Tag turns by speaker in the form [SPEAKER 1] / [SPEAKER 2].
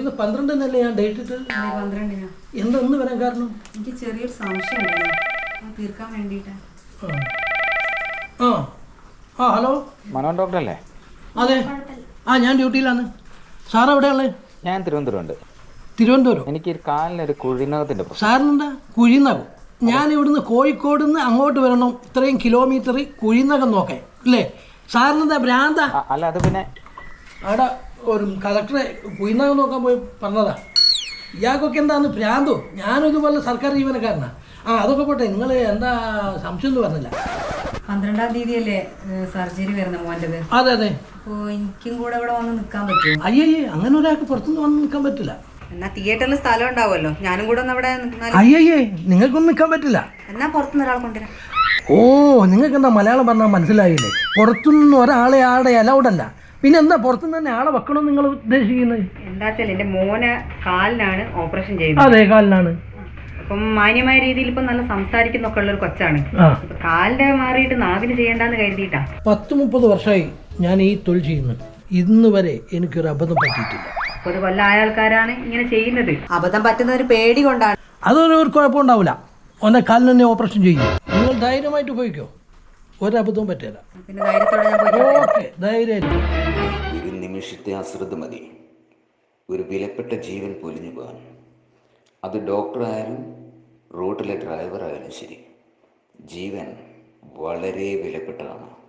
[SPEAKER 1] ഇന്ന് 12-നല്ലേ ഞാൻ ഡേറ്റ് ഇട്ട്?
[SPEAKER 2] 12-നാ.
[SPEAKER 1] എന്താ ഒന്ന് വരാൻ കാരണം?
[SPEAKER 2] എനിക്ക് ചെറിയൊരു സംശയം തീർക്കാൻ വേണ്ടിയിട്ടാ.
[SPEAKER 1] ആ ആ ഹലോ,
[SPEAKER 3] മനോൻ ഡോക്ടർ അല്ലേ?
[SPEAKER 1] അതെ. ഞാൻ ഡ്യൂട്ടിയിലാണ്. സാർ എവിടെയുള്ളത്?
[SPEAKER 3] ഞാൻ തിരുവനന്തപുരമുണ്ട്.
[SPEAKER 1] തിരുവനന്തപുരം?
[SPEAKER 3] എനിക്ക് കാലിനൊരു കുഴിനകത്തിൻ്റെ പ്രശ്നം.
[SPEAKER 1] സാറിനെന്താ കുഴിനകം? ഞാൻ ഇവിടുന്ന് കോഴിക്കോട് നിന്ന് അങ്ങോട്ട് വരണം, ഇത്രയും കിലോമീറ്റർ കുഴിനകം നോക്കാൻ അല്ലേ? സാറിനെന്താ ഭ്രാന്താ?
[SPEAKER 3] അല്ല, അത് പിന്നെ
[SPEAKER 1] അവിടെ ഒരു കളക്ടറെ കുഴിനകം നോക്കാൻ പോയി പറഞ്ഞതാ. ഇയാൾക്കൊക്കെ എന്താന്ന് ഭ്രാന്തോ? ഞാനും ഇതുപോലെ സർക്കാർ ജീവനക്കാരനാണ്. അതൊക്കെ പോട്ടെ, നിങ്ങൾ എന്താ സംശയം എന്ന് പറഞ്ഞില്ല?
[SPEAKER 2] 12-ാം തീയതിയല്ലേ സർജറി വരുന്ന മോൻ്റെത്?
[SPEAKER 1] അതെ അതെ.
[SPEAKER 2] അപ്പോൾ എനിക്കും കൂടെ ഇവിടെ വന്ന് നിൽക്കാൻ പറ്റുമോ?
[SPEAKER 1] അയ്യേ, അങ്ങനെ ഒരാൾക്ക് പുറത്തുനിന്ന് വന്ന് നിൽക്കാൻ പറ്റില്ല.
[SPEAKER 2] എന്നാ തിയേറ്ററിൽ സ്ഥലം ഉണ്ടാവുമല്ലോ, ഞാനും കൂടെ ഒന്ന് അവിടെ നിന്നാൽ.
[SPEAKER 1] അയ്യേ, നിങ്ങൾക്കൊന്നും നിൽക്കാൻ പറ്റില്ല.
[SPEAKER 2] എന്നാ പുറത്തുനിന്ന് ഒരാൾ കൊണ്ടുവരാം.
[SPEAKER 1] ഓ, നിങ്ങൾക്ക് എന്താ മലയാളം പറഞ്ഞാൽ മനസ്സിലായില്ലേ? പുറത്തുനിന്ന് ഒരാളെ ആടെ അലൗഡല്ല. പിന്നെ എന്താ പുറത്തുനിന്ന് തന്നെ ആളെ വെക്കണം നിങ്ങൾ ഉദ്ദേശിക്കുന്നത്?
[SPEAKER 2] എന്താ വെച്ചാൽ എൻ്റെ മോനെ കാലിനാണ് ഓപ്പറേഷൻ ചെയ്യുന്നത്.
[SPEAKER 1] അതെ, കാലിനാണ്.
[SPEAKER 2] അപ്പം മാന്യമായ രീതിയിൽ ഇപ്പം നല്ല സംസാരിക്കുന്നൊക്കെ ഉള്ളൊരു കൊച്ചാണ്. ഇപ്പൊ കാലിന്റെ മാറിയിട്ട് നാവിന് ചെയ്യണ്ടെന്ന് കരുതിയിട്ടാ.
[SPEAKER 1] 10-30 വർഷമായി ഞാൻ ഈ തൊഴിൽ ചെയ്യുന്നു. ഇന്ന് വരെ എനിക്കൊരു അബദ്ധം പറ്റിയിട്ടില്ല.
[SPEAKER 2] ഒരു കൊല്ലായ ആൾക്കാരാണ് ഇങ്ങനെ ചെയ്യുന്നത്. അബദ്ധം പറ്റുന്ന ഒരു പേടി കൊണ്ടാണ്.
[SPEAKER 1] അതൊരു കുഴപ്പമുണ്ടാവില്ല. ഒന്നെ കാലിന് തന്നെ ഓപ്പറേഷൻ ചെയ്യും. നിങ്ങൾ ധൈര്യമായിട്ട് പോയിക്കോ, ഒരബദ്ധവും പറ്റില്ല.
[SPEAKER 2] പിന്നെ ധൈര്യത്തോടെ ഞാൻ പോയി.
[SPEAKER 1] ഓക്കെ, ധൈര്യം.
[SPEAKER 4] ഒരു നിമിഷത്തെ അശ്രദ്ധ മതി ഒരു വിലപ്പെട്ട ജീവൻ പൊലിഞ്ഞു പോകാൻ. അത് ഡോക്ടറായാലും റോഡിലെ ഡ്രൈവറായാലും ശരി, ജീവൻ വളരെ വിലപ്പെട്ടതാണ്.